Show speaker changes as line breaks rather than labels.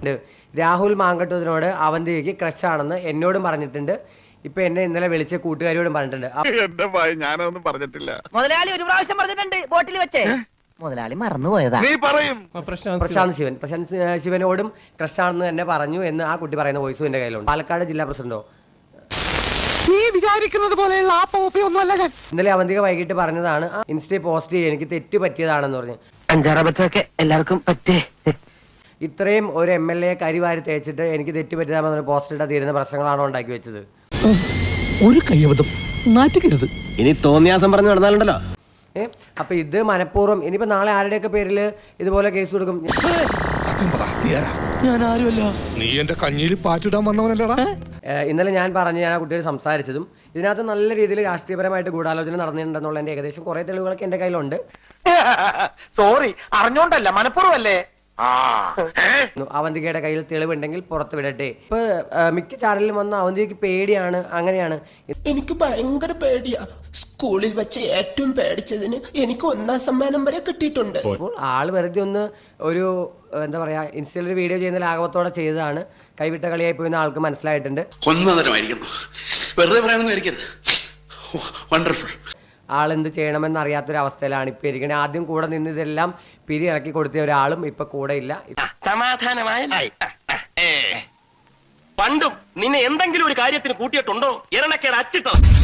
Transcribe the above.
രാഹുൽ മാങ്കട്ടൂരിനോട് അവന്തികയ്ക്ക് ക്രഷാണെന്ന് എന്നോടും പറഞ്ഞിട്ടുണ്ട്. ഇപ്പൊ എന്നെ ഇന്നലെ വിളിച്ച കൂട്ടുകാരിയോടും പറഞ്ഞിട്ടുണ്ട്.
ഞാനൊന്നും പറഞ്ഞിട്ടില്ല.
മുതലാളി ഒരു പ്രാവശ്യം പറഞ്ഞിട്ടുണ്ട് ബോട്ടിൽ വെച്ചേ. മുതലാളി മറന്നുപോയതാ.
നീ പറയും.
പ്രശാന്ത് ശിവനോടും ക്രഷാണെന്ന് തന്നെ പറഞ്ഞു എന്ന് ആ കുട്ടി പറയുന്ന വോയിസും എന്റെ കയ്യിലുണ്ട്. പാലക്കാട് ജില്ലാ പ്രസിഡന്റോ
വിചാരിക്കുന്നത് പോലെയുള്ള
ഇന്നലെ അവന്തിക വൈകിട്ട് പറഞ്ഞതാണ്, ഇൻസ്റ്റയിൽ പോസ്റ്റ് ചെയ്ത് എനിക്ക് തെറ്റ് പറ്റിയതാണെന്ന് പറഞ്ഞു.
അഞ്ചാറബത്തൊക്കെ എല്ലാവർക്കും പറ്റേ.
ഇത്രയും ഒരു MLA കരിവാരി തേച്ചിട്ട് എനിക്ക് തെറ്റ് പറ്റിയതാണെന്ന് പോസ്റ്റ് ഇട്ടാ തീരുന്ന പ്രശ്നങ്ങളാണോ ഉണ്ടാക്കി വെച്ചത്?
ഒരു കയ്യബദ്ധം നാറ്റിക്കരുത്.
ഇനി തോന്നിയാസം പറഞ്ഞു നടന്നാലുണ്ടല്ലോ.
അപ്പൊ ഇത് മനഃപൂർവ്വം ഇനിയിപ്പോ നാളെ ആരുടെയൊക്കെ പേരില് ഇതുപോലെ കേസ് കൊടുക്കും.
ഞാൻ ആരുമല്ല. നീ എന്റെ കഞ്ഞിയിൽ പാറ്റിടാൻ വന്നവനല്ലടാ.
ഇന്നലെ ഞാൻ ആ കുട്ടിയോട് സംസാരിച്ചതും ഇതിനകത്ത് നല്ല രീതിയിൽ രാഷ്ട്രീയപരമായിട്ട് ഗൂഢാലോചന നടന്നിട്ടുണ്ടെന്നുള്ള എന്റെ ഏകദേശം കുറെ തെളിവുകളൊക്കെ എന്റെ കയ്യിലുണ്ട്.
സോറി, അറിഞ്ഞോണ്ടല്ല, മനഃപൂർവ്വല്ലേ.
അവന്തികയുടെ കയ്യിൽ തെളിവുണ്ടെങ്കിൽ പുറത്ത് വിടട്ടെ. ഇപ്പൊ മിക്ക ചാനലിലും വന്ന അവന്തികയ്ക്ക് പേടിയാണ്, അങ്ങനെയാണ്.
എനിക്ക് ഭയങ്കര പേടിയാ. സ്കൂളിൽ വെച്ച് ഏറ്റവും പേടിച്ചതിന് എനിക്ക് 1ാം സമ്മാനം വരെ കിട്ടിയിട്ടുണ്ട്.
അപ്പോൾ ആള് വെറുതെ ഒന്ന് ഒരു എന്താ പറയാ ഇൻസ്റ്റയിൽ ഒരു വീഡിയോ ചെയ്യുന്ന ലാഘവത്തോടെ ചെയ്തതാണ്. കൈവിട്ട കളിയായി പോയെന്ന് ആൾക്ക് മനസ്സിലായിട്ടുണ്ട്. ആളെന്ത് ചെയ്യണമെന്ന് അറിയാത്തൊരു അവസ്ഥയിലാണ് ഇപ്പൊ ഇരിക്കണേ. ആദ്യം കൂടെ നിന്ന് ഇതെല്ലാം പിരിയിറക്കി കൊടുത്ത ഒരാളും ഇപ്പൊ കൂടെ ഇല്ല.
സമാധാനമായ പണ്ടും നിന്നെ എന്തെങ്കിലും ഒരു കാര്യത്തിന് കൂട്ടിയിട്ടുണ്ടോ? ഇരണക്കേട് അച്ചിട്ടോ?